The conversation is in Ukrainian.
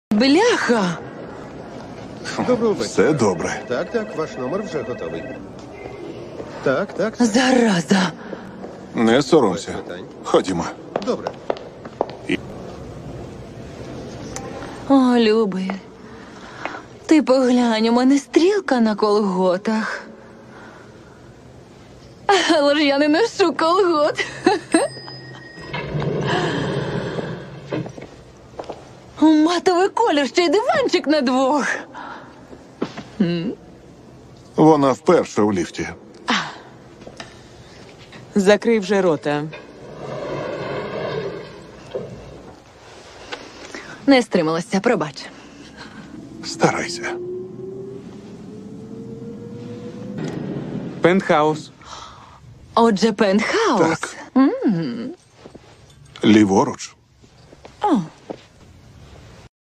Бляха! Доброго вечора. Все добре. Так, ваш номер вже готовий. Так. Зараза! Не соромся. Ходімо. Добре. О, любий. Ти поглянь, у мене стрілка на колготах. Але ж я не ношу колгот. Матовий колір, ще й диванчик на двох. Вона вперше у ліфті. Закрий вже рота. Не стрималася, пробач. Старайся. Пентхаус. Отже, пентхаус. Так. Ліворуч. О,